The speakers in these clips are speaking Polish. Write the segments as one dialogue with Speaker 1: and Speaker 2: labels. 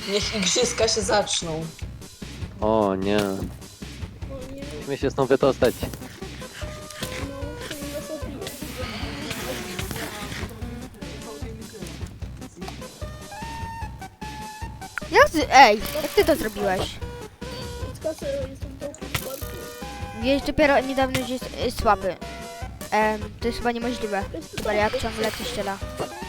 Speaker 1: Niech igrzyska się zaczną.
Speaker 2: O nie.
Speaker 3: O nie,
Speaker 2: Musimy się stąd wydostać.
Speaker 3: no, to nie nas odbije.
Speaker 4: Jak ty to zrobiłeś?
Speaker 3: Skasę, jestem w dołku w parku.
Speaker 4: Wiesz, dopiero niedawno, że jest słaby. To jest chyba niemożliwe. Chyba jak ciągle coś strzela.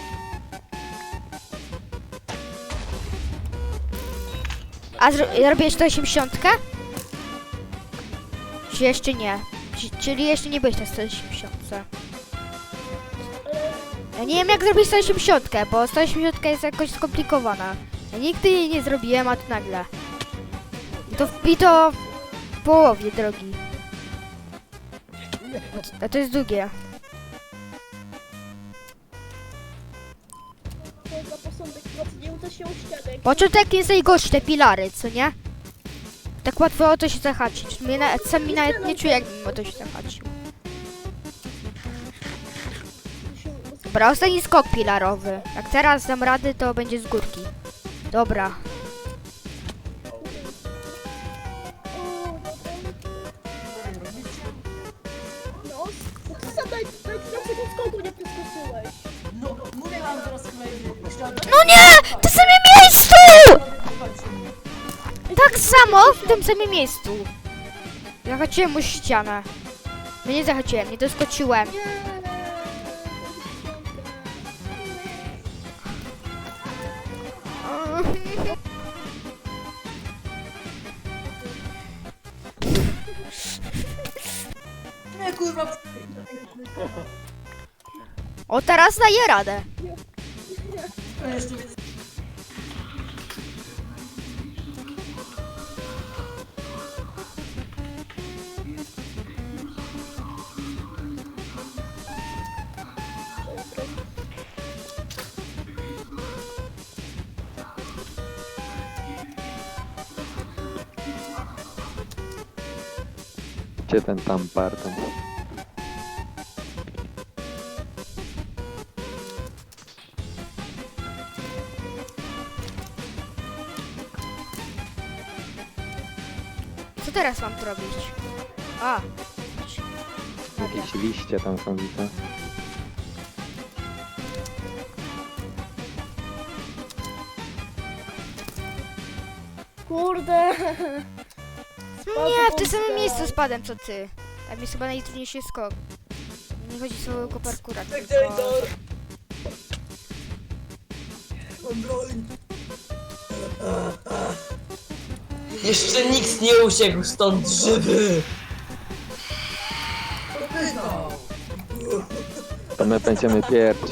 Speaker 4: A zrobiłeś 180? Czy jeszcze nie? Czyli jeszcze nie byłeś na 180? Ja nie wiem jak zrobić 180, bo 180 jest jakoś skomplikowana. Ja nigdy jej nie zrobiłem, a tu nagle. I to w połowie drogi. A to jest długie.
Speaker 3: To za posądek pracy nie uda się o ścianę.
Speaker 4: Początek jest najgorszy, te pilary, co nie? Tak łatwo o to się zahaczyć. Sami nawet nie czuję, jakbym o to się zahaczył. Dobra, ostatni skok pilarowy. Jak teraz dam rady, to będzie z górki. Dobra.
Speaker 3: No, no ty sam daj tego skoku nie przeskoczyłeś.
Speaker 1: No, mówię wam teraz
Speaker 4: No nie! W tym samym miejscu! Tak samo w tym samym miejscu. Zahaczyłem mu ścianę. No nie zahaczyłem, nie doskoczyłem.
Speaker 1: Nie, kurwa.
Speaker 4: O, teraz daję radę.
Speaker 1: Jeszcze
Speaker 2: Gdzie ten tam Barton?
Speaker 4: Co teraz mam tu robić? A. Dobra.
Speaker 2: Jakieś liście tam są widzę.
Speaker 3: Kurde.
Speaker 4: Nie, w tym samym miejscu spadłem co ty. Tam jest chyba najtrudniejszy skok. Nie chodzi o całego parkura,
Speaker 1: tak
Speaker 4: tylko...
Speaker 1: Jeszcze nikt nie uciekł stąd żywy!
Speaker 2: To my będziemy pierwsi.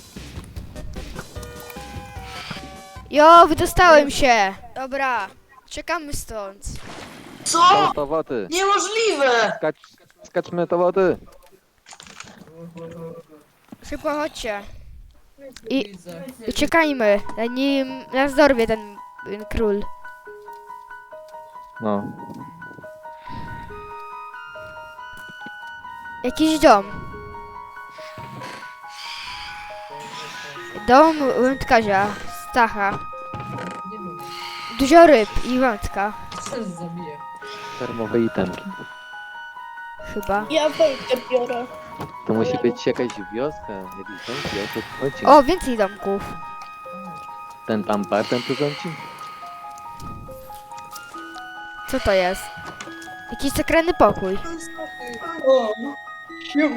Speaker 4: Jo, wydostałem się! Dobra, czekamy stąd.
Speaker 1: Co?
Speaker 2: Do wody!
Speaker 1: Niemożliwe!
Speaker 2: Skaczmy do wody!
Speaker 4: Szybko chodźcie. I uciekajmy, zanim nas dorwie ten król.
Speaker 2: No.
Speaker 4: Jakiś dom. Dom wędkarza, Stacha. Dużo ryb i wędka,
Speaker 2: Termowe itemki.
Speaker 4: chyba.
Speaker 3: Ja wejdę biorę.
Speaker 2: To musi być jakaś wioska, jakiś dom, o co tu chodzi?
Speaker 4: O, więcej domków.
Speaker 2: Ten tam Barton tu rządzi?
Speaker 4: Co to jest? Jakiś sekretny pokój.
Speaker 1: O, siema.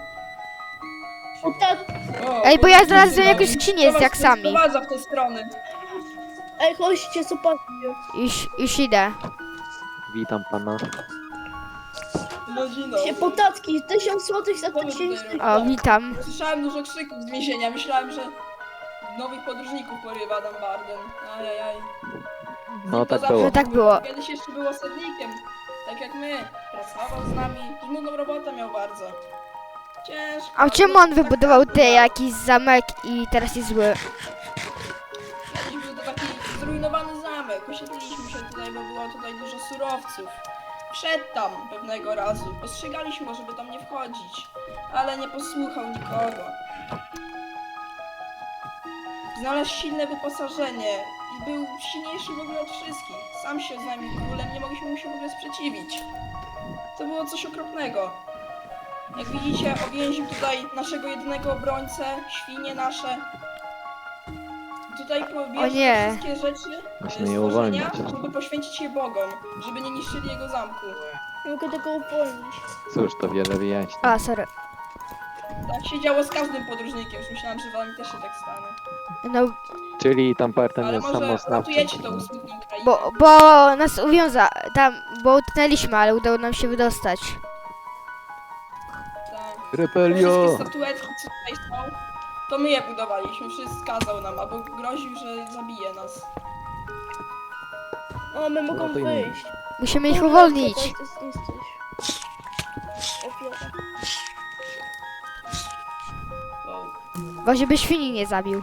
Speaker 3: O tak.
Speaker 4: Ej, bo ja znalazłem jakąś skrzynię z jaksami.
Speaker 1: Prowadza w tę stronę.
Speaker 3: Ej, chodźcie, zobaczcie.
Speaker 4: Już idę.
Speaker 2: Witam pana.
Speaker 1: No dzień dobry.
Speaker 3: Się potacki, 1000 złotych za 1000.
Speaker 4: O, witam.
Speaker 5: Słyszałem dużo krzyków z więzienia. Myślałem, że nowych podróżników porywa Dan Barden. Ajajaj.
Speaker 2: No tak
Speaker 5: zawsze
Speaker 2: było.
Speaker 4: No tak było.
Speaker 5: Kiedyś jeszcze był osadnikiem. Tak jak my. Pracował z nami. Trudną robotę miał bardzo. Ciężko.
Speaker 4: A czemu on wybudował te jakiś zamek i teraz jest zły?
Speaker 5: Kiedyś był to taki zrujnowany zamek. Osiedliliśmy się tutaj, bo było tutaj dużo surowców. Wszedł tam pewnego razu. Ostrzegaliśmy go, żeby tam nie wchodzić. Ale nie posłuchał nikogo. Znalazł silne wyposażenie i był silniejszy w ogóle od wszystkich. Sam się z nami królem, nie mogliśmy mu się w ogóle sprzeciwić. To było coś okropnego. Jak widzicie, uwięził tutaj naszego jedynego obrońcę, świnie nasze. Tutaj
Speaker 4: O
Speaker 5: pobierze
Speaker 4: nie.
Speaker 5: wszystkie rzeczy,
Speaker 2: Musimy je
Speaker 5: stworzenia,
Speaker 2: uwolnić.
Speaker 5: żeby poświęcić je bogom, żeby nie niszczyli jego zamku.
Speaker 3: Mogę tego uwolnić.
Speaker 2: Cóż, to wiele wyjaśni.
Speaker 4: A, sorry.
Speaker 5: Tak się działo z każdym podróżnikiem, już myślałam, że wam też się tak stanie.
Speaker 4: No,
Speaker 2: Czyli tam parten
Speaker 5: Ale
Speaker 2: jest
Speaker 5: może
Speaker 2: samostawczy.
Speaker 5: ratujecie to usłudnie krainy.
Speaker 4: bo nas bo utknęliśmy, ale udało nam się wydostać.
Speaker 5: Tak.
Speaker 2: Rebelio!
Speaker 5: Wszystkie statuetki, co tutaj są, to my je budowaliśmy. Wszystko kazał nam, albo groził, że zabije nas.
Speaker 3: O, my mogą
Speaker 2: Ratujmy.
Speaker 3: wyjść.
Speaker 4: Musimy ich
Speaker 3: Kurde,
Speaker 4: uwolnić.
Speaker 3: to jesteś. Ofiara.
Speaker 5: Wow.
Speaker 4: Bo żeby świni nie zabił.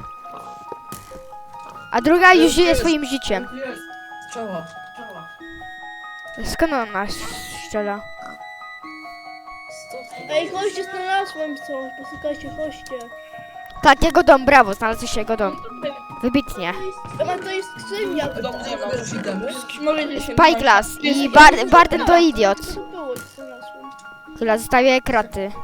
Speaker 4: A druga już żyje swoim życiem.
Speaker 6: Strzała.
Speaker 4: Skąd on nas strzela?
Speaker 3: Ej, chodźcie, znalazłem coś. Posłuchajcie, chodźcie.
Speaker 4: Tak, jego dom, brawo, znalazłeś jego dom. Wybitnie.
Speaker 3: To jest skrzynia.
Speaker 5: W domu nie ma.
Speaker 6: Idemy.
Speaker 5: Możecie się
Speaker 4: Spyglass i Barden to idiot.
Speaker 3: Co to było, co znalazłem?
Speaker 4: Chyba zostawia kraty.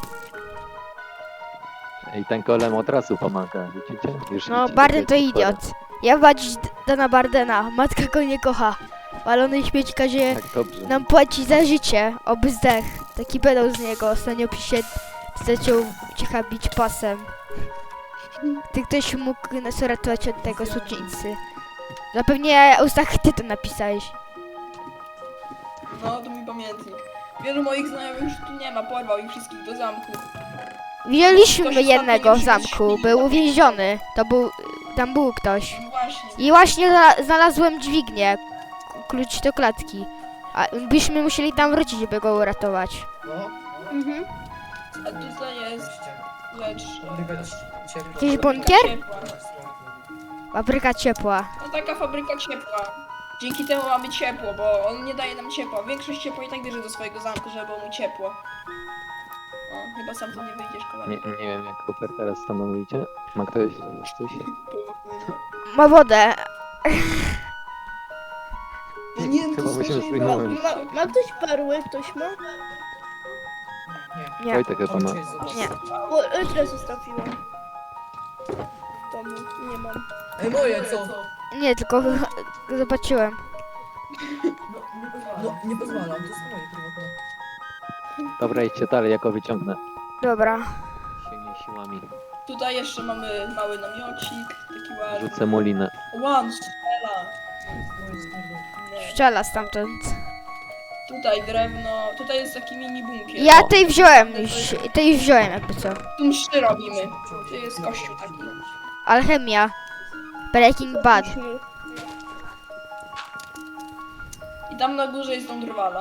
Speaker 2: I ten golem od razu pomaga, widzicie? Już
Speaker 4: No,
Speaker 2: idzie
Speaker 4: Barden to
Speaker 2: tutaj
Speaker 4: idiot. Ja badzić Dana Bardena. Matka go nie kocha. Walony śmieć każe
Speaker 2: Tak dobrze.
Speaker 4: nam płaci za życie. Oby zdech. Taki pedał z niego. Ostatnio pisze, zaczął cicha bić pasem. Ty ktoś mógł nas uratować od tego suczyńcy. Zapewnie Ustach ty to napisałeś.
Speaker 5: No, to mój pamiętnik. Wielu moich znajomych już tu nie ma, porwał ich wszystkich do zamku.
Speaker 4: Widzieliśmy
Speaker 5: Ktoś
Speaker 4: jednego w
Speaker 5: ostatnio nie
Speaker 4: zamku.
Speaker 5: przyszedł.
Speaker 4: Był uwięziony. Tam był ktoś.
Speaker 5: No właśnie.
Speaker 4: I właśnie znalazłem dźwignię. Klucz do klatki. A byśmy musieli tam wrócić, żeby go uratować.
Speaker 6: No.
Speaker 3: Mhm.
Speaker 5: A tutaj jest rzecz.
Speaker 4: Jakiś
Speaker 5: Fabryka
Speaker 4: bunkier?
Speaker 5: ciepła.
Speaker 4: Fabryka ciepła.
Speaker 5: No taka fabryka ciepła. Dzięki temu mamy ciepło, bo on nie daje nam ciepła. Większość ciepła i tak bierze do swojego zamku, żeby było mu ciepło. O, chyba sam tu nie wyjdziesz, kolego.
Speaker 2: Nie wiem jak Cooper teraz stanowicie. Ma ktoś coś?
Speaker 4: Ma wodę.
Speaker 5: Nie,
Speaker 2: Chyba musimy
Speaker 5: słyszę,
Speaker 2: zmienić.
Speaker 3: Ma ktoś perły? Ktoś ma?
Speaker 4: Nie.
Speaker 2: Wojtek chyba ma.
Speaker 4: Nie.
Speaker 3: O, tyle zostawiłam. W domu nie mam.
Speaker 6: Ej, moje co?
Speaker 4: Nie, tylko zobaczyłem.
Speaker 6: No, nie pozwalam, to jest moje prywatne.
Speaker 2: Dobra, idźcie dalej, ja go wyciągnę.
Speaker 4: Dobra.
Speaker 2: Silnymi siłami.
Speaker 5: Tutaj jeszcze mamy mały namiocik, taki ładny.
Speaker 2: Rzucę mu linę.
Speaker 5: One, strzela. Nie.
Speaker 4: Strzela stamtąd.
Speaker 5: Tutaj drewno, tutaj jest taki mini bunkier.
Speaker 4: Ja
Speaker 5: O,
Speaker 4: tej wziąłem już. Tej wziąłem jakby co.
Speaker 5: tu mszy robimy. Tu jest kościół taki.
Speaker 4: Alchemia. Breaking Bad.
Speaker 3: Myśmy.
Speaker 5: I tam na górze jest dom drwala.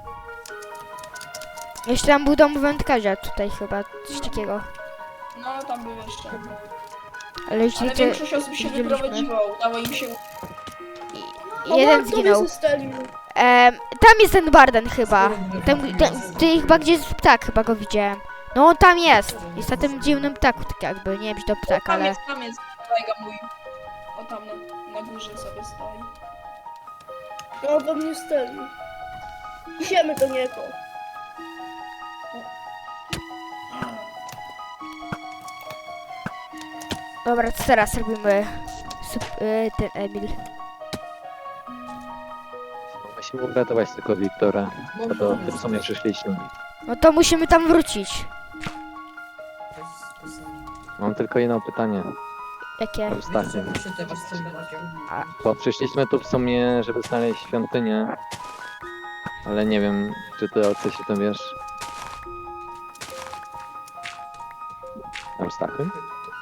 Speaker 4: Jeszcze tam był dom wędkarza tutaj chyba. Coś takiego.
Speaker 5: No, tam był jeszcze.
Speaker 4: Ale już
Speaker 5: Ale
Speaker 4: to
Speaker 5: większość osób się
Speaker 4: widzieliśmy.
Speaker 5: wyprowadziło, udało im się...
Speaker 4: Jeden
Speaker 3: O,
Speaker 4: zginął.
Speaker 3: zostali.
Speaker 4: Tam jest ten Barden chyba. Ty chyba gdzie jest ptak, chyba go widziałem. No on tam jest. Jest na tym dziwnym ptaku, tak jakby. Nie wiem, czy to ptak,
Speaker 5: Tam
Speaker 4: ale...
Speaker 5: jest kolega mój. O, tam na górze sobie stoi.
Speaker 3: No, do mnie stali. Idziemy do niego.
Speaker 4: Dobra, co teraz robimy? Ten Emil.
Speaker 2: Musimy uratować tylko Wiktora. A to w tym sumie przyszliśmy.
Speaker 4: No to musimy tam wrócić.
Speaker 2: Mam tylko jedno pytanie.
Speaker 4: Jakie?
Speaker 2: Ostatnie.
Speaker 6: Przytywasz z tym brakiem.
Speaker 2: Bo przyszliśmy tu w sumie, żeby znaleźć świątynię. Ale nie wiem, czy ty o coś się tym wiesz. Eustachy?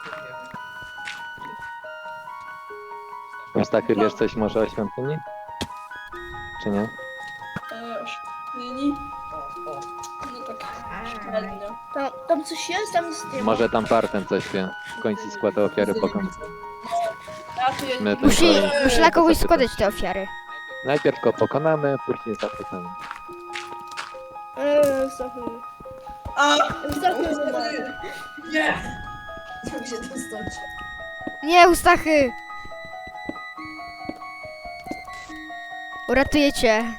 Speaker 2: Eustachy, wiesz coś może o świątyni? Czy nie?
Speaker 5: O świątyni.
Speaker 6: O.
Speaker 5: No tak, średnio.
Speaker 3: Tam coś jest? Tam jest nie ma.
Speaker 2: Może tam Parten coś wie. W końcu składa ofiary bogom.
Speaker 5: Ja tu jest...
Speaker 2: My
Speaker 4: Musi
Speaker 2: tylko-
Speaker 4: dla kogoś składać te ofiary.
Speaker 2: Najpierw go pokonamy, później zapytamy.
Speaker 3: Zostawił.
Speaker 5: A!
Speaker 3: Zostawił.
Speaker 6: Nie! Jak się to stać?
Speaker 4: Nie, Ustachy! Uratuję cię.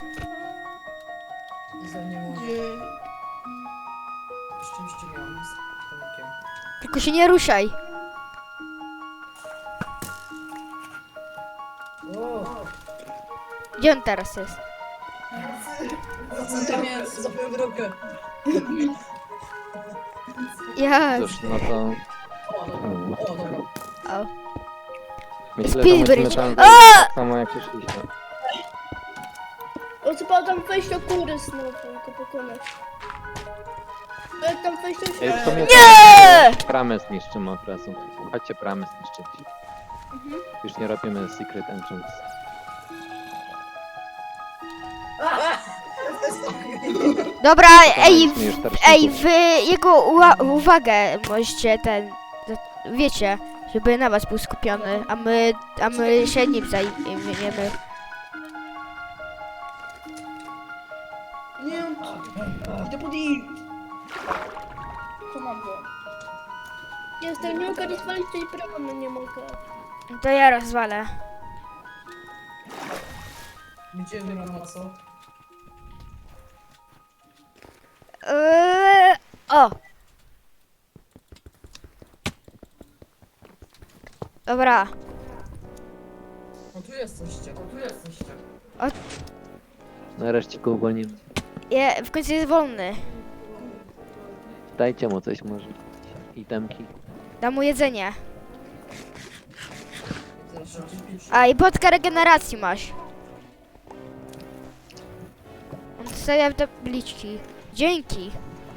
Speaker 6: Za nie mogę.
Speaker 5: Nie.
Speaker 6: Szczęście miałem z Tomkiem.
Speaker 4: Tylko się nie ruszaj.
Speaker 6: O!
Speaker 4: Gdzie on teraz jest?
Speaker 5: Tam jest.
Speaker 6: Zapiąłem drogę.
Speaker 4: Ja.
Speaker 2: Cóż, no to
Speaker 6: O, dobra.
Speaker 4: O.
Speaker 2: myślę, że
Speaker 4: Speedbridge.
Speaker 2: musimy tam
Speaker 4: A!
Speaker 2: wejść tak samo jak przyszliśmy.
Speaker 3: O, trzeba tam wejść do góry znowu, go pokonać. Jak tam wejść do
Speaker 2: Ej, w sumie
Speaker 4: Nie!
Speaker 2: to bramę zniszczymy od razu. Chodźcie bramę zniszczyć. Już nie robimy secret entrance.
Speaker 4: Dobra, ej,
Speaker 2: Pokonaliśmy już tarczników.
Speaker 4: ej, wy jego uwagę możecie wiecie, żeby na was był skupiony, a my się nim zajmiemy.
Speaker 5: Nie, idę pod i. Komam go.
Speaker 3: Jestem, nie mogę rozwalić tej bramy, nie mogę.
Speaker 4: To ja rozwalę.
Speaker 6: Gdzie brama, co?
Speaker 4: O! Dobra,
Speaker 6: O, tu jesteście. O, tu jesteście.
Speaker 2: Nareszcie go uwolnimy.
Speaker 4: w końcu jest wolny.
Speaker 2: Dajcie mu coś może. Itemki.
Speaker 4: Dam mu jedzenie.
Speaker 6: Zaraz się pisze.
Speaker 4: A i podkę regeneracji masz. On stawia tabliczki. Dzięki.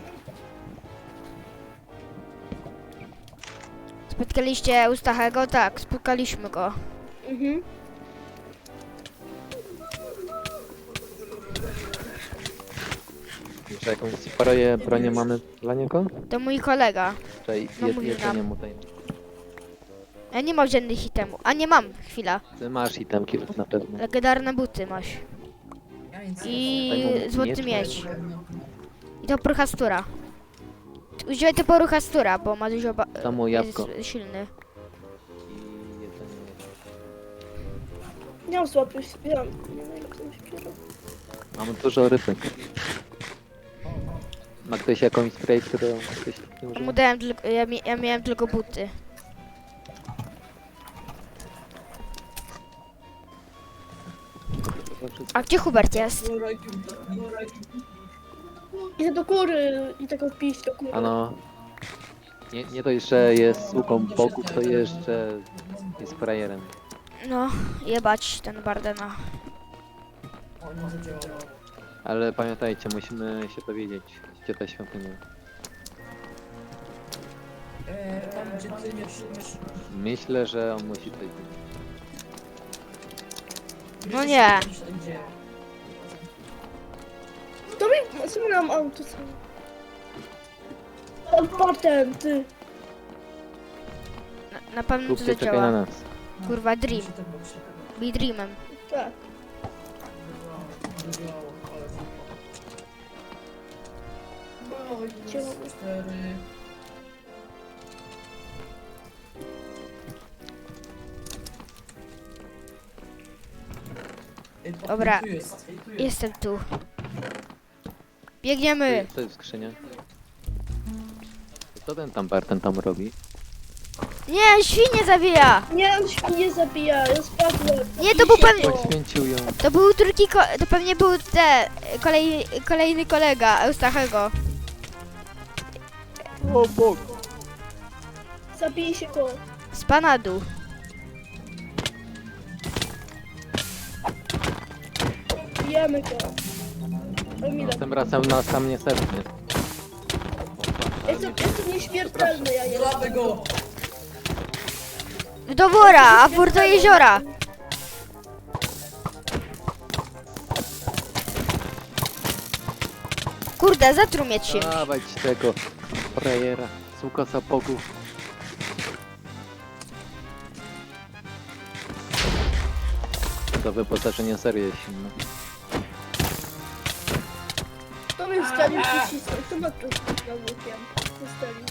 Speaker 4: Spotkaliście Ustachego? Tak, spotkaliśmy go.
Speaker 3: Mhm.
Speaker 2: Jeszcze jakąś bronię mamy dla niego?
Speaker 4: To mój kolega.
Speaker 2: Czyli
Speaker 4: No, mówił
Speaker 2: jedzenie
Speaker 4: nam.
Speaker 2: mu daj.
Speaker 4: Ja nie mam żadnych itemów. A nie mam, chwila.
Speaker 2: Ty masz itemki na pewno.
Speaker 4: Legendarne buty masz.
Speaker 6: Ja nic
Speaker 4: I
Speaker 2: Daj mu
Speaker 4: złoty
Speaker 2: miecz.
Speaker 4: miecz. I to poruchastura. Używaj to poruchastura, bo ma dużo
Speaker 2: Dam mu jabłko.
Speaker 4: jest silny.
Speaker 2: I jedzenie.
Speaker 3: Nie mam słabych śpiewam. Nie wiem, jak to śpiewa.
Speaker 2: Mamy dużo rybek. Ma ktoś jakąś spray, którą ktoś nie
Speaker 4: Mu
Speaker 2: używa?
Speaker 4: dałem tylko, ja miałem tylko buty. A gdzie Hubert jest?
Speaker 3: Idę do góry i tego pić do góry.
Speaker 2: Ano. Nie to jeszcze jest sługą bogów, to jeszcze jest frajerem.
Speaker 4: No, jebać ten Bardena.
Speaker 6: O, nie zadziałało.
Speaker 2: Ale pamiętajcie, musimy się dowiedzieć, gdzie ta świątynia.
Speaker 6: Tam gdzie ty nie przyjmiesz.
Speaker 2: Myślę, że on musi tutaj być.
Speaker 4: No nie.
Speaker 6: Gdzie?
Speaker 3: To mi, co my nam auto są? Tam potem, ty.
Speaker 4: Na pewno to
Speaker 2: Kupcie, czekaj na
Speaker 4: zadziała.
Speaker 2: nas.
Speaker 4: Kurwa, Dream.
Speaker 6: Musi tak być.
Speaker 4: Be Dreamem.
Speaker 3: Tak.
Speaker 6: Zadziałało, ale super. Oj,
Speaker 3: Działało.
Speaker 6: 4.
Speaker 4: Dobra.
Speaker 6: Tu jest. Tu jest.
Speaker 4: Jestem tu. Biegniemy.
Speaker 2: Co jest w skrzynie? Co ten tam Barten tam robi?
Speaker 4: Nie, świnie zabija.
Speaker 3: Nie, on się nie zabija, ja spadłem.
Speaker 4: Nie, to był pewnie,
Speaker 2: Poświęcił ją.
Speaker 4: to był drugi, to pewnie był kolejny kolega Eustachego.
Speaker 2: O Bóg!
Speaker 3: Zabij się go.
Speaker 4: Z Panadu.
Speaker 3: Bijemy go. Emila.
Speaker 2: Tym razem na sam nie serwnie.
Speaker 3: Jestem nieśmiertelny, ja jestem.
Speaker 6: Złapę go!
Speaker 4: Do wora, a wór do jeziora. Kurde, zatruł mnie czymś.
Speaker 2: Dawać tego frajera. Sługa zapogów. To wyposażenie serio jest silne.
Speaker 3: To mnie wstalił przycisnął, to ma tu na łukiem. Wstalił.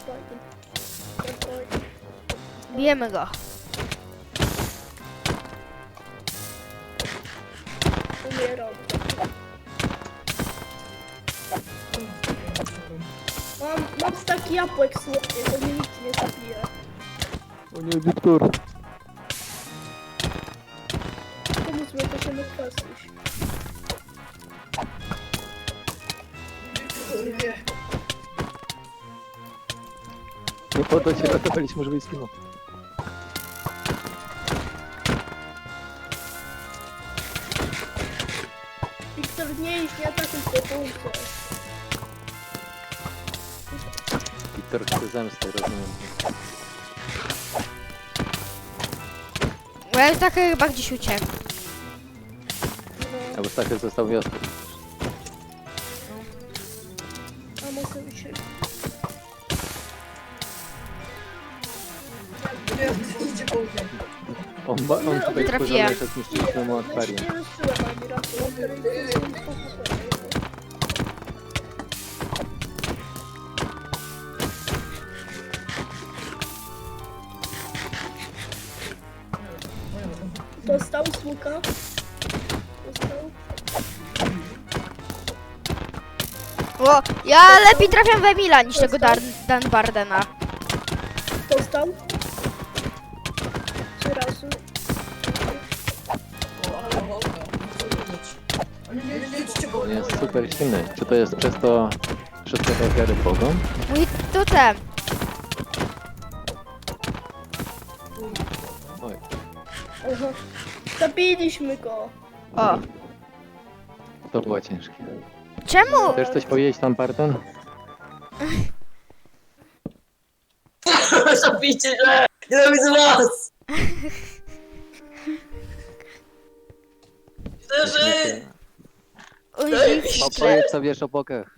Speaker 4: Bijemy go.
Speaker 3: umieram. Mam taki jabłek słodkie, to mnie nikt nie zabije.
Speaker 2: O nie, Wiktor.
Speaker 3: Pomóż mi, to się odpasuć.
Speaker 2: Nie poddaj się, ratowaliśmy, żeby skinął.
Speaker 3: Wiktor, nie idź, nie atakuj się, pomóżcie.
Speaker 2: Wiktor chce zemsty, rozumiem.
Speaker 4: Bo ja tak chyba gdzieś uciekł.
Speaker 2: Albo Stachy został wiosny.
Speaker 3: A może uciekł.
Speaker 6: Idzie po mnie.
Speaker 2: On tutaj
Speaker 4: Trafiłem.
Speaker 2: wkurzony, że zniszczyliśmy mu akwarium.
Speaker 3: Nie rozczułem ani razu. Dostał smuka. Dostał.
Speaker 4: O, ja lepiej trafiam w Emila niż tego Dan Bardena.
Speaker 3: Dostał. 3 razy.
Speaker 6: Ale nie idźcie po
Speaker 2: On
Speaker 6: mnie.
Speaker 2: jest super silny. Czy to jest przez to, przez te ofiary Bogom?
Speaker 4: Mój totem.
Speaker 2: Oj,
Speaker 3: Aha. Zabiliśmy go.
Speaker 4: O,
Speaker 2: to było ciężkie.
Speaker 4: czemu?
Speaker 2: Chcesz coś powiedzieć tam, Barton?
Speaker 1: Zabijcie się! Nienawidzę was! Chcę żyć!
Speaker 2: Opowiedz co wiesz o bokach.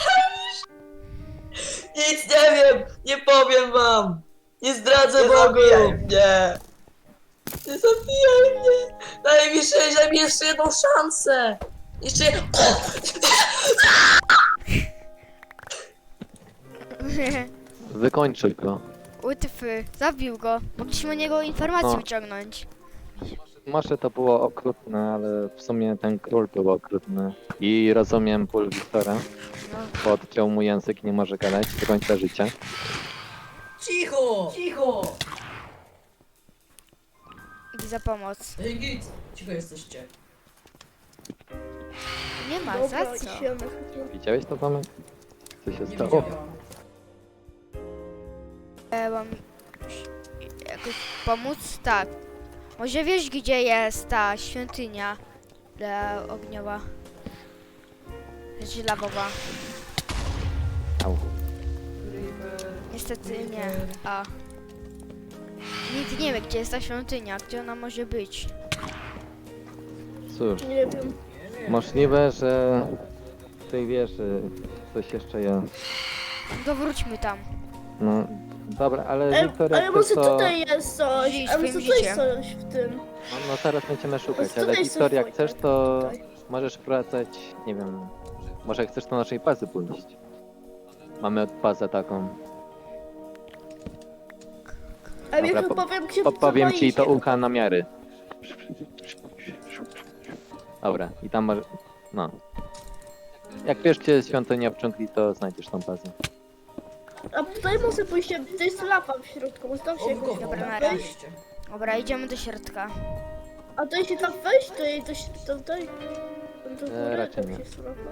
Speaker 1: Nic nie wiem! Nie powiem wam! Nie zdradzę Bogu! Nie! Nie zabijaj mnie! Daj mi jeszcze jedną szansę! Jeszcze
Speaker 2: Wykończył go.
Speaker 4: Utyfy, zabił go. Mogliśmy o niego informację
Speaker 2: O.
Speaker 4: wyciągnąć.
Speaker 2: Może to było okrutne, ale w sumie ten król był okrutny. I rozumiem ból Wiktora,
Speaker 4: No.
Speaker 2: bo odciął mu język i nie może gadać do końca życia.
Speaker 6: Cicho! Cicho!
Speaker 4: Idę za pomoc.
Speaker 6: Ej, git! Cicho jesteście.
Speaker 4: Nie ma,
Speaker 3: Dobra,
Speaker 4: za co?
Speaker 3: idziemy.
Speaker 2: Widziałeś to, Tomek? Co się
Speaker 6: Nie
Speaker 2: stało?
Speaker 6: widziałam.
Speaker 4: Mam jakoś pomóc? Tak. Może wiesz, gdzie jest ta świątynia dla ogniowa? Znaczy lawowa.
Speaker 2: Au.
Speaker 4: Niestety nie. A. Nikt nie wie, gdzie jest ta świątynia, gdzie ona może być.
Speaker 2: Cóż,
Speaker 3: Nie wiem.
Speaker 2: możliwe, że w tej wieży coś jeszcze jest.
Speaker 4: To wróćmy tam.
Speaker 2: No, dobra, ale Wiktor,
Speaker 3: Ale
Speaker 2: jak
Speaker 3: może
Speaker 2: chcesz, to...
Speaker 3: tutaj jest coś.
Speaker 4: Żyj
Speaker 3: A może
Speaker 4: swoim
Speaker 3: tutaj
Speaker 4: życiem.
Speaker 3: coś w tym.
Speaker 2: No zaraz będziemy szukać,
Speaker 3: Tutaj
Speaker 2: ale
Speaker 3: są
Speaker 2: Wiktor, jak
Speaker 3: Wojtek,
Speaker 2: chcesz, to
Speaker 3: tutaj.
Speaker 2: możesz wracać, nie wiem, może chcesz do naszej bazy pójść. Mamy bazę taką.
Speaker 3: A ja
Speaker 2: Dobra,
Speaker 3: chyba wiem, gdzie
Speaker 2: Podpowiem ci to
Speaker 3: idzie.
Speaker 2: ucha na miary. Dobra, i tam masz... no. Jak wiesz, gdzie jest świątynia w dżungli, to znajdziesz tą bazę.
Speaker 3: A tutaj może pójść, to jest lawa w środku, może tam się jakoś
Speaker 6: Dobra,
Speaker 4: Dobra,
Speaker 3: da
Speaker 4: na
Speaker 3: wejść.
Speaker 6: razie.
Speaker 4: Dobra, idziemy do środka.
Speaker 3: A to jeśli tam wejść, to się tutaj... Do góry,
Speaker 2: raczej
Speaker 3: tam
Speaker 2: nie.
Speaker 3: się słabo.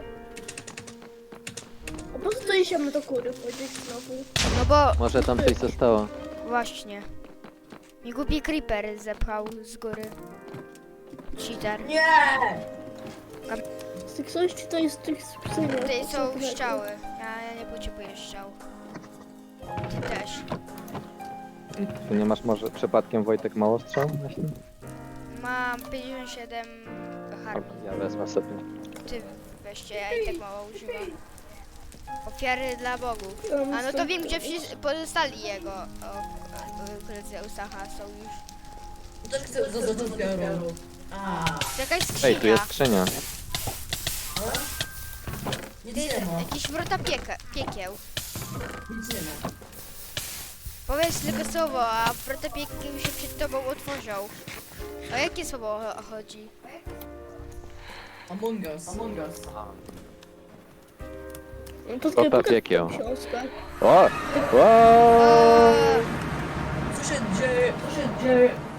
Speaker 3: A po co to idziemy do góry chodzić znowu?
Speaker 4: No bo
Speaker 2: Może tam coś zostało.
Speaker 4: właśnie. Mi głupi creeper zepchał z góry. Cheater.
Speaker 6: Nie!
Speaker 3: Z tych coś, czy to jest tych skrzynek?
Speaker 4: Tutaj są strzały. Ja nie potrzebuję strzał. Ty też.
Speaker 2: Ty nie masz może przypadkiem, Wojtek, mało strzał? Właśnie?
Speaker 4: Mam 57 harmi.
Speaker 2: Ja wezmę sobie.
Speaker 4: Ty weźcie, ja i tak mało używam. Ofiary dla bogów. A no to wiem, gdzie wszyscy pozostali jego koledzy Eustacha są już.
Speaker 6: Też chcę zaznaczyć biorą. A,
Speaker 4: To jakaś
Speaker 2: Ej, tu
Speaker 4: skrzynia.
Speaker 2: jest skrzynia.
Speaker 6: nic
Speaker 4: Ty,
Speaker 6: nie ma.
Speaker 4: jakieś wrota piekieł.
Speaker 6: Nic nie ma.
Speaker 4: Powiedz tylko słowo, a wrota piekieł się przed tobą otworzą. O jakie słowo chodzi?
Speaker 6: Among Us. Among Us.
Speaker 3: No to
Speaker 2: Zostaw
Speaker 3: pokaż
Speaker 2: jakiego.
Speaker 3: tą książkę.
Speaker 2: O! O!
Speaker 6: Co się dzieje? Co się dzieje?